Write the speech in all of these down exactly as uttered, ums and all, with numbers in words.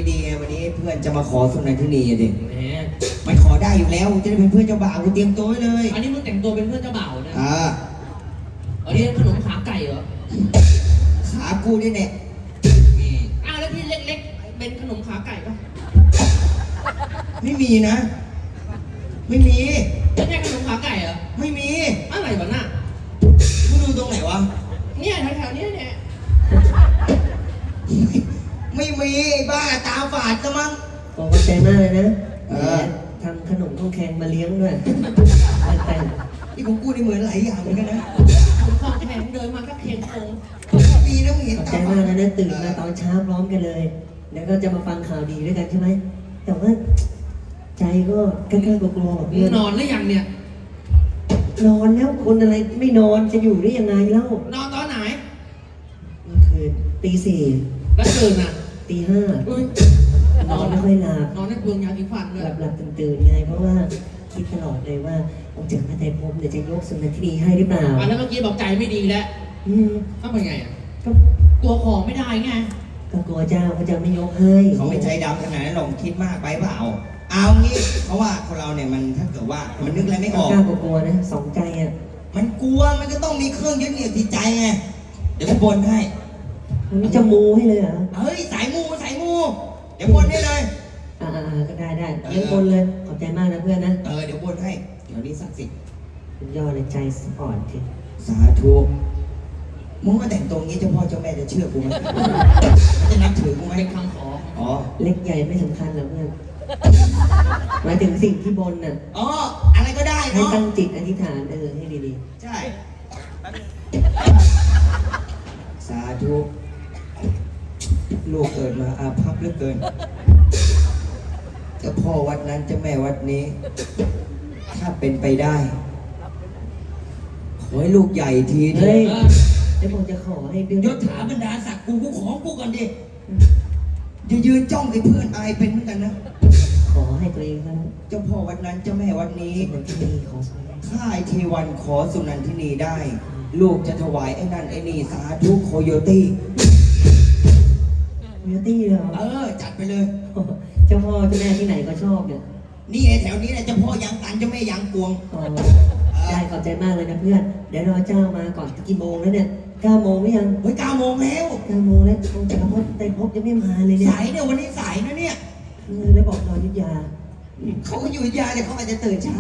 ดีๆไงวันนี้เพื่อนจะมาขอสุนันทนีเด็กแหมมันขอได้อยู่แล้วจะได้เป็นเพื่อนเจ้าบ่าวกูเตรียมตัวไว้เลยอันนี้มึงแต่งตัวเป็นเพื่อนเจ้าบ่าวนะอ่าอันนี้ขนมขาไก่เหรอขากูนี่แน่อ้าวแล้วที่เล็กๆเป็นขนมขาไก่ปะไม่มีนะ ไม่มีไม่ใช่ขนมขาไก่เหรอไม่มีอะไรวะน่ะมึงดูตรงไหนวะเนี่ยแถวๆเนี้ยเนี่ยไม่มีไอ้บ้าตาฝาดซะมั้งขอบใจมากเลยนะเออทำขนมข้าวแข็งมาเลี้ยงด้วยแต่งนี่ของกูนี่เหมือนหลายอย่างเหมือนกันนะผมของแข็งเดินมาก็เค็งโคงดีนะมึงเห็นขอบตาใจฝามากดนะนะตื่นมาตอนเช้าพร้อมกันเลย แล้วก็จะมาฟังข่าวดีด้วยกันใช่ไหม แต่ว่าใจก็กล้าๆกลัวๆแบบมึเพื่งอนนอนหรือยังเนี่ยนอนแล้วคนอะไรไม่นอนจะอยู่ได้ยังไงเล่านอนตอนไหนเมื่อคืนตีสี่แล้วตื่นอ่ะตีห้าอุ้ยนอนไม่ค่อยหลับนอนในเปลืองยาสีฟันเลหยลับหลับตื่นตื่นๆไง เพราะว่าคิดตลอดเลยว่าองค์จักรพรรดิภพเดี๋ยวจะยกสุนันทนีให้หรือเปล่าอ่ะแล้วเมื่อกี้บอกใจไม่ดีแล้วอืมต้องเป็นไงอ่ะก็กลัวของไม่ได้ไงก็กลัวเจ้าเขาจะไม่ยกให้เขาไม่ใจดำขนาดนั้นหรอกคิดมากไปเปล่า เอางี้ เพราะว่าคนเราเนี่ยมันถ้าเกิดว่ามันนึกอะไรไม่ออกกล้ากลัวๆนะสองใจอ่ะมันกลัวมันก็ต้องมีเครื่องยึดเหนี่ยวจิตใจไง เดี๋ยวกูบนให้วันนี้จะมูให้เลยเหรอเฮ้ยสายมูสายมู เดี๋ยวบนให้เลยอ่าๆก็ได้ได้เลี้ยงบนเลย ขอบใจมากนะเพื่อนนะเออเดี๋ยวบนให้ เดี๋ยวนี้ศักดิ์สิทธิ์สุดยอดเลยใจสปอร์ตทีสาธุมึงมาแต่งตรงนี้เจ้าพ่อเจ้าแม่จะเชื่อกูไหมจะนับถือกูไหมเป็นคำขออ๋อเล็กใหญ่ไม่สำคัญหรอกเพื่อนหมายถึงสิ่งที่บนน่ะอ๋อ อะไรก็ได้ให้เนาะตั้งจิตอธิษฐานเออให้ดีใช่ สาธุลูกเกิดมาอาภัพเหลือเกินเจ้าพ่อวัดนั้นเจ้าแม่วัดนี้ ถ้าเป็นไปได้ ขอให้ลูกใหญ่ทีๆเถเฮ้ยอะแล้วผมจะขอให้ดื้อยศถาบรรดาศักดิ์กูกูขอกูก่อนดิอย่ายืนจ้องกับเพื่อนอายเป็นเหมือนกันนะขอให้ตัวเองเท่านั้นเจ้าพ่อวัดนั้นเจ้าแม่วัดนี้สิ่งนั้นที่ดีขอสมัยข้าไอเทวันขอสุนันทินีได้ ลูกจะถวายไอ้นั่นไอ้นี่สาธุโคโยตี้มิวตี้เหรอเออ จัดไปเลยเจ้าพ่อเจ้าแม่ที่ไหนก็ชอบเนี่ยนี่ไอ้แถวนี้แหละเจ้าพ่อยางตันเจ้าแม่ยางกวงอ๋อได้ขอบใจมากเลยนะเพื่อน เดี๋ยวรอเจ้ามาก่อนกี่โมงแล้วเนี่ยเก้าโมงหรือยังเฮ้ยเก้าโมงแล้วเก้าโมงแล้วองค์จักรพรรดิไตรภพยังไม่มาเลยเนี่ยสายเนี่ยวันนี้สายนะเนี่ยเออแล้วบอกรอยุทธยาเขาก็อยู่อยุธยาแต่เขาอาจจะตื่นช้า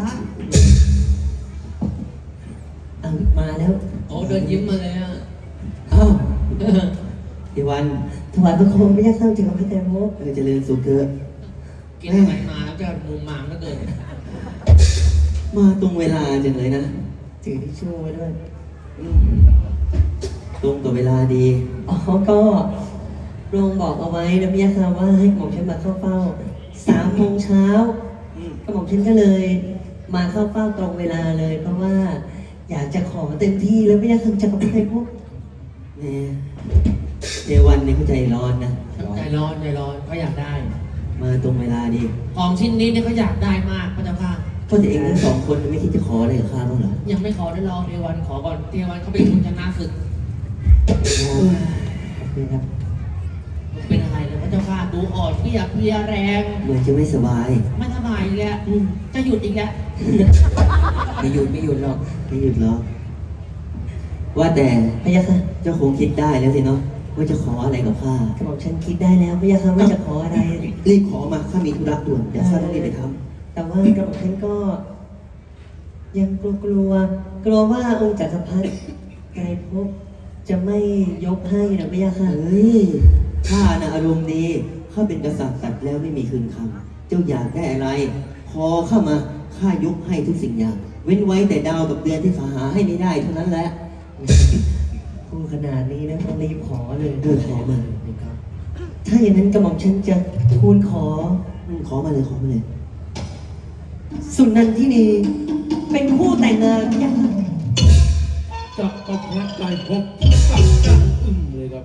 อ่ะมาแล้วโอ้เดินยิ้มมาเลยอ่ะอ้าวเดี๋ยววันถวายพระโคมไม่ยากเข้าจักรพรรดิไตรภพเออเจริญสุขเถอะกินอะไรมาแล้วจะมุมมามก็เกินมาตรงเวลาจังเลยนะถือทิชชู่ไว้ด้วยอืมตรงกับเวลาดีอ๋อก็โรงบอกเอาไว้นะพี่ยาค่ะว่าให้หม่อมฉันมาเข้าเฝ้าสามโมงเช้าอืมกระหม่อมฉันก็เลย มาเข้าเฝ้าตรงเวลาเลย เพราะว่าอยากจะขอเต็มที่แล้วพี่ยาค่ะจักรพรรดิไตรภพแหม่เจวันนี่เขาใจร้อนนะใจร้อนใจร้อนเขาอยากได้มาตรงเวลาดีของชิ้นนี้เนี่ยเขาอยากได้มากพระเจ้าค่ะเพราะแต่เองทั้งสองคนไม่คิดจะขออะไรกับข้าบ้างเหรอยังไม่ขอได้รอเทวันขอก่อนเทวันเขาเป็นคนชนะศึกขอบคุณครับเป็นอะไรเลยพระเจ้าค่ะดูอ่อนเพลียเพลียแรงเหมือนจะไม่สบายไม่สบายอีกแล้วอืมจะหยุดอีกแล้วไม่หยุดไม่หยุดหรอกไม่หยุดหรอกว่าแต่พี่ยาค่ะเจ้าคงคิดได้แล้วสิเนาะว่าจะขออะไรกับข้ากระหม่อมฉันคิดได้แล้วพี่ยาค่ะว่าจะขออะไรรีบขอมาข้ามีธุระด่วนเดี๋ยวข้าต้องรีบไปทแต่ว่ากระหม่อมฉันก็ ยังกลัวกลัวๆกลัวว่าองค์จักรพรรดิไตรภพจะไม่ยกให้นะพี่ยาำค่ะเฮ้ยข้านะอารมณ์ดีข้าเป็นกษัตริย์ตัดแล้วไม่มีคืนคำเจ้าอยากได้อะไร ขอเข้ามาข้ายกให้ทุกสิ่งอย่าง เว้นไว้แต่ดาวกับเดือนที่ข้าหาให้ไม่ได้เท่านั้นแหละพูดขนาดนี้นะต้องรีบขอเลยเออขอมาถ้าอย่างนั้นกระหม่อมฉันจะทูลขออืมขอมาเลยขอมาเลยสุนันทินีเป็นผู้แต่งงานยังจักรพรรดิไตรภพสับจังอึ้มเลยครับ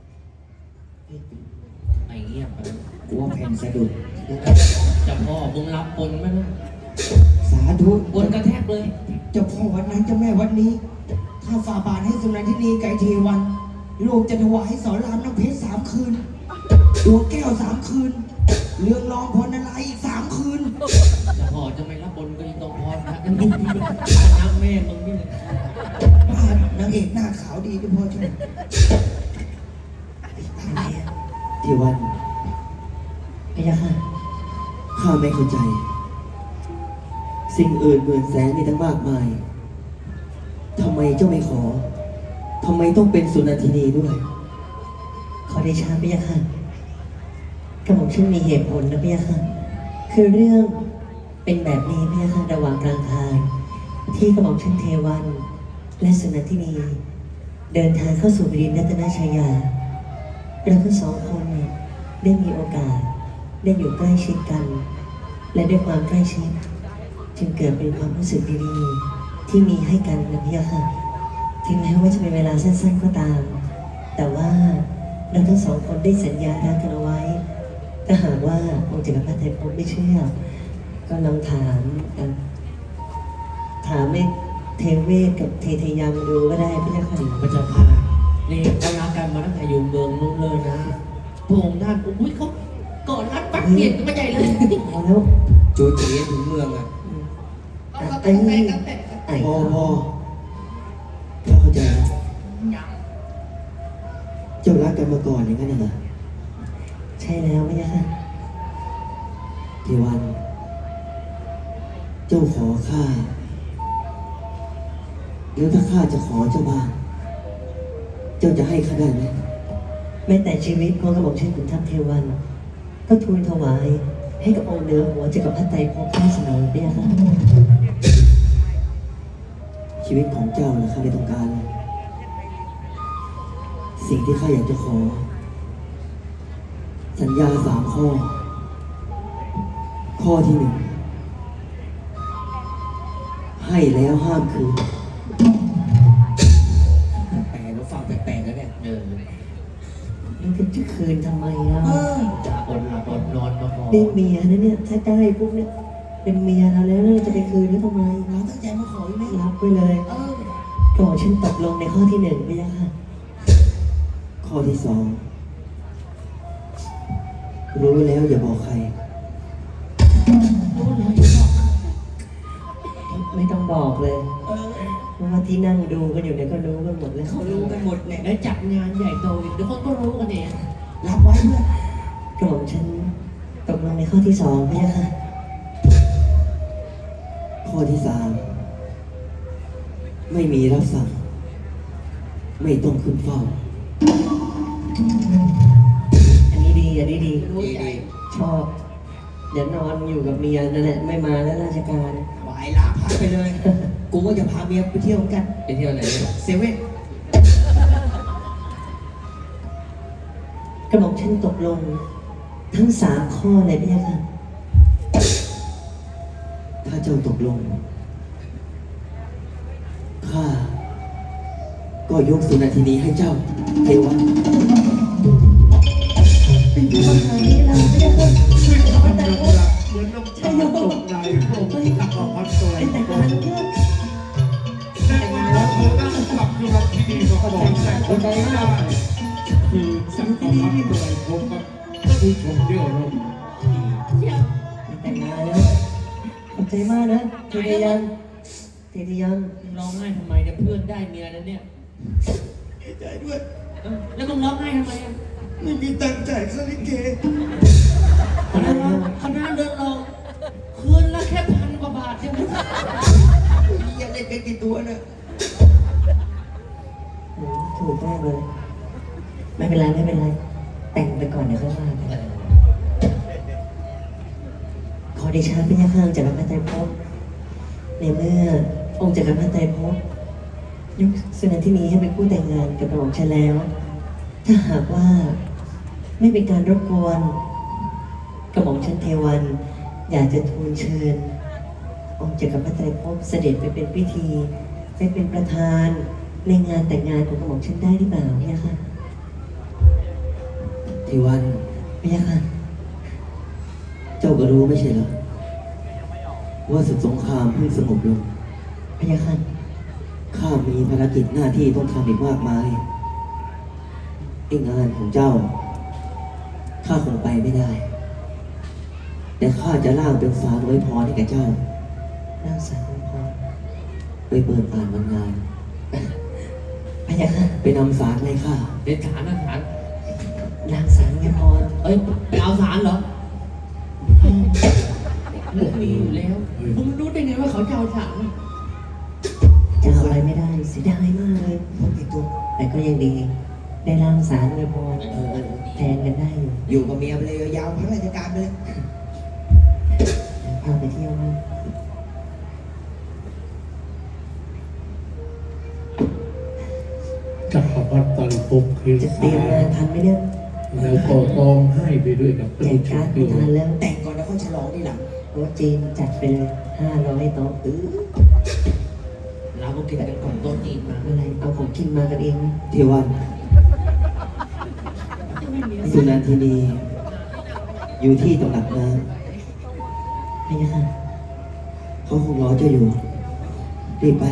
ไอ้เงียบไปกูว่าแผ่นสะดุดเจะพ่อมึงรับบนไหมนะสาธุบนกระแทกเลยเจ้าพ่อวัดนั้นเจ้าแม่วัดนี้ ถ้าฝ่าบาทให้สุนันทินีไก่เทวัน ลูกจะถวายสอนรามน้ำเพชรสามคืนดวงแก้วสามคืน เรื่องรองพรนารายณ์อีกสามคืนจะพอจะไม่รับบนก็ยังต้องพรนะน้ำแม่มึงนี่เลยบ้านนางเอกหน้าขาวดีด้วยพ่อใช่ไหมเทวันพยาค่ะข้าไม่เข้าใจ สิ่งอื่นหมื่นแสนมีตั้งมากมายทำไมเจ้าไม่ขอทำไมต้องเป็นสุนันทินีด้วยขอเดชะพยาค่ะกระหม่อมฉันมีเหตุผลนะพยาค่ะ คือเรื่องเป็นแบบนี้พยาค่ะระหว่างกลางทางที่กระหม่อมฉันเทวัน และสุนันทินี เดินทางเข้าสู่แผ่นดินรัตนชายาเราทั้งสองคนเนี่ยได้มีโอกาสได้อยู่ใกล้ชิดกัน และด้วยความใกล้ชิดจึงเกิดเป็นความรู้สึกดีๆที่มีให้กันนะพยาค่ะถึงแม้ว่าจะเป็นเวลาสั้นๆก็ตาม แต่ว่าเราทั้งสองคนได้สัญญารักกันเอาไว้ ถ้าหากว่าองค์จักรพรรดิไตรภพไม่เชื่อ ก็ลองถามเอ่อถามไอ้เทเวศกับเทเทยามดูก็ได้พี่เจ้าค่ะพระเจ้าค่ะนี่เขารักกันมาตั้งแต่อยู่เมืองนู้นเลยนะพระองค์ท่านอุ้ยเขาก่อนรัดปักเปลี่ยนกันมาใหญ่เลยพอแล้วจูจีถึงเมืองอ่ะอ่ะไอ้นี่ไอ้พ่อเขาพ่อพ่อเข้าใจนะเจ้ารักกันมาก่อนอย่างนั้นเหรอใช่แล้วพี่เจ้าค่ะเทวัน เจ้าขอข้าแล้วถ้าข้าจะขอเจ้าบ้างเจ้าจะให้ข้าได้ไหมแม้แต่ชีวิตของกระหม่อมเช่นขุนทัพเทวัน ก็ทูลถวายให้กับองค์เหนือหัวจักรพรรดิไตรภพได้เสมอพี่เจ้าค่ะชีวิตของเจ้านะข้าไม่ต้องการเลยสิ่งที่ข้าอยากจะขอ สัญญาสามข้อ ข้อที่หนึ่งให้แล้วห้ามคืนแปลกแล้วฟังแปลกๆแล้วเนี่ยเออแล้วจะคืนทำไมล่ะเออจะอดหลับอดนอนมาพอเป็นเมียนะเนี่ยถ้าได้ปุ๊บเนี่ยเป็นเมียเราแล้วแล้วเราจะไปคืนหรือทำไมเราตั้งใจมาขออยู่แล้วรับไปเลยเออก่อนฉันตกลงในข้อที่หนึ่งพี่เจ้าค่ะข้อที่สองรู้แล้วอย่าบอกใครรู้แล้วจะบอกไม่ต้องบอกเลยเออเพราะว่าที่นั่งดูกันอยู่เนี่ยก็รู้กันหมดแล้วเขารู้กันหมดเนี่ยแล้วจัดงานใหญ่โตอีกเดี๋ยวคนก็รู้กันเองรับไว้เพื่อนกระหม่อมฉันตกลงในข้อที่สองพี่เจ้าค่ะข้อที่สามไม่มีรับสั่ง ไม่ต้องขึ้นเฝ้าอันนี้ดีอันนี้ดีดีดีชอบ เดี๋ยวนอนอยู่กับเมียนั่นแหละไม่มาแล้วราชการบายลาพักไปเลย กูก็จะพาเมียไปเที่ยวกันไปเที่ยวไหนเนี่ยเซเว่นกระหม่อมฉันตกลง ทั้งสามข้อเลยพี่เจ้าค่ะถ้าเจ้าตกลง ข้า ก็ยกสุนันทินีให้เจ้า เทวันเป็นผู้บังคับนี้เราพี่เจ้าค่ะซึ่งทำให้เรารักเหมือนน้ำตาตกในพระองค์ตักออกพัดตัวเป็นแต่งงานเพื่อนแต่ว่าเธอนั่งกลับอยู่กับที่ดีมาก่อนแต่คนไม่ได้คือสักขอพัดตัวผมกับผู้ชมเยอะลงแต่งงานแล้วขอบใจมากนะเทเทยังเทเทยังมึงร้องไห้ทำไมเนี่ยเพื่อนได้เมียแล้วเนี่ยดีใจด้วยเอ้าแล้วมึงร้องไห้ทำไมอ่ะไม่มีตังค์จ่ายค่าลิเกคนนั้นนะคณะเดินเราคืนละแค่พันกว่าบาทใช่ไหมยังเล่นกันกี่ตัวเนี่ยโอ้ถูกมากเลย ไม่เป็นไรไม่เป็นไร แต่งไปก่อนเดี๋ยวค่อยว่ากันขอเดชะพระยาข้างจากรพรรดิไตรภพในเมื่อองค์จักรพรรดิไตรภพยกสุนันทินีให้เป็นผู้แต่งงานกับกระหม่อมฉันแล้ว ถ้าหากว่าไม่เป็นการรบกวนกระหม่อมฉันเทวัน อยากจะทูลเชิญ องค์จักรพรรดิไตรภพเสด็จไปเป็นพิธีไปเป็นประธานในงานแต่งงานของกระหม่อมฉันได้หรือเปล่าเนี่ยค่ะเทวันเนี่ยค่ะเจ้าก็รู้ไม่ใช่เหรอ ว่าศึกสงครามเพิ่งสงบลงพยาค่ะข้ามีภารกิจหน้าที่ต้องทำอีกมากมายไอ้งานของเจ้าข้าคงไปไม่ได้ แต่ข้าจะล่างเป็นสารไว้พรให้แก่เจ้าร่างสารพรไปเปิดอ่านวันงานพะยะค่ะไปนำสารให้ข้าเด็ดขาดนะฐานร่างสารพรเอ้ยไปเอาสารเหรอหมูมีอยู่แล้วมึงรู้ได้ไงว่าเขาจะเอาสารจะเอาอะไรไม่ได้เสียดายมากเลยผมติดตัวแต่ก็ยังดี ได้ร่างสารพรเออแทนกันได้อยู่อยู่กับเมียไปเลยยาวๆพักราชการไปเลยพาไปเที่ยวบ้างจักรพรรดิตอนพบคือจะเตรียมงานทันไหมเนี่ยแล้วก็ต้องให้ไปด้วยกับแจกการ์ดไม่ทันแล้วแต่งก่อนแล้วค่อยฉลองทีหลังโต๊ะจีนจัดไปเลยห้าร้อยโต๊ะเออเราก็กินกันก่อนโต๊ะจีนมาอะไรเอาของกินมากันเองนะเทวันสุนันทินีอยู่ที่ตำหนักน้พะยะค่ะำเขาคงรอเจ้าอยู่ รีบไป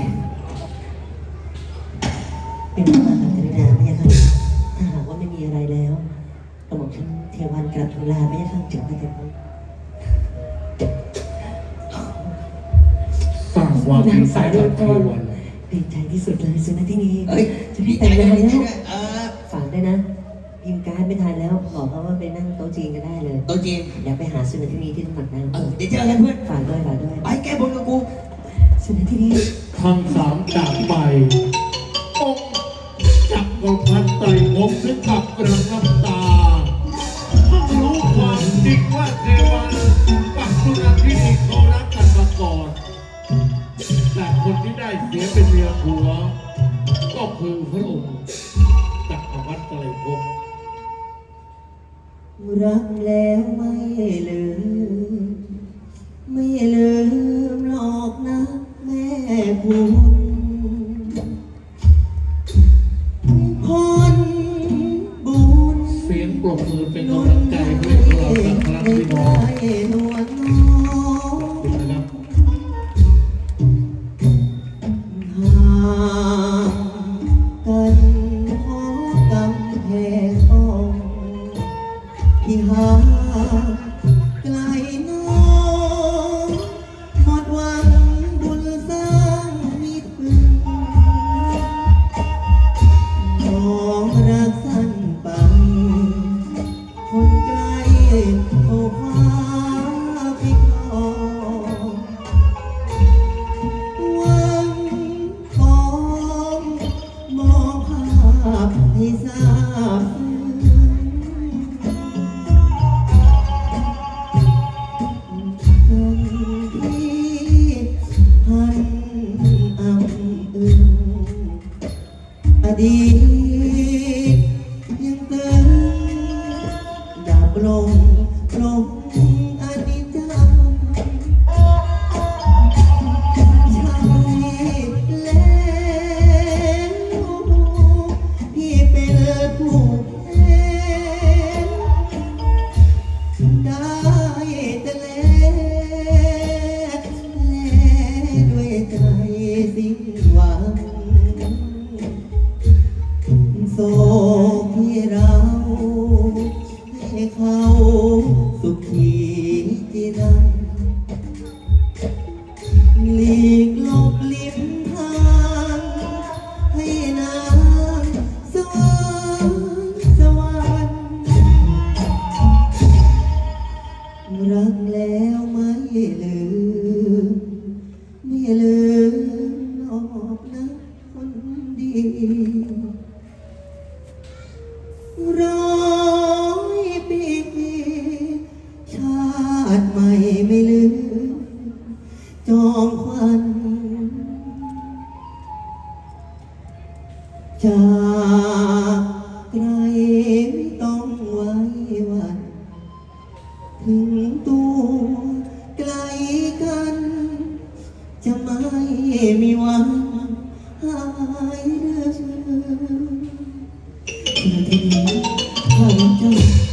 เป็นพระมหากรุณาพะยะค่ะถ้าหากว่าไม่มีอะไรแล้วกระหม่อมฉันเทวันกราบทูลลาพะยะค่ะจากพระเจ้าสร้างความดีใจกับเทวันดีใจที่สุดเลยสุนันที่นี้เอ้ยจะได้แต่งงานดีแล้ใจวด้วยเออฝากด้วยนะพิมพ์การ์ดไม่ทันแล้วบอกเขาว่าไปนั่งโต๊ะจีนกันได้เลยโตัวจีนอยากไปหาสุนันที่นี้ที่ตำหนักน้เออเดี๋ยวเจอกันเพื่อนำฝากด้วยฝากด้วยไปแก้บนกับกูสุนันที่นี้ทั้งสามจากไปองค์จักรพรรดิไตรภพถึงกับกระน้ำตาเพิ่งรู้ความจริงว่าเทวันกับสุนันทินีเขารักกันมาก่อนแต่คนที่ได้เสียเป็นเมียผัว ก็คือพระองค์จักรพรรดิไตรภพรักแล้วไม่ลืมไม่ลืมหรอกนะแม่คุณคนบุญเสียงปรบมือเป็นกำลังใจให้พวกเราสักครั้งพี่น้องนวลน้อขอบคุณนะครับห่างกันเพราะกำแพงอ้อมที่ห่างไกลน้องหมดหวังบุญสร้างมิตรพึงน้องรักสั้นไป คนไกลโอ้ฟ้าพิคอหวังของมองภาพให้ทราบที่พันอำอึงอดีตยังเติม ดับลงลงอนิจจังใช่แล้วพี่เป็นผู้แพ้ได้แต่แลแลด้วยใจสิ้นหวังโศกที่เราให้เขาสุขีที่นั่งหลีกหลบลิ้มทางให้นางสวรรค์สวรรค์รักแล้วไม่ลืมไม่ลืมหรอกนะคนดี ร้อยปีชาติใหม่ไม่ลืมจอมควันจากไกลไม่ต้องไว้วัน ถึงตัวไกลกัน จะไม่มีวันหายเรื่อย คุณทีนี้ข้ารักเจ้า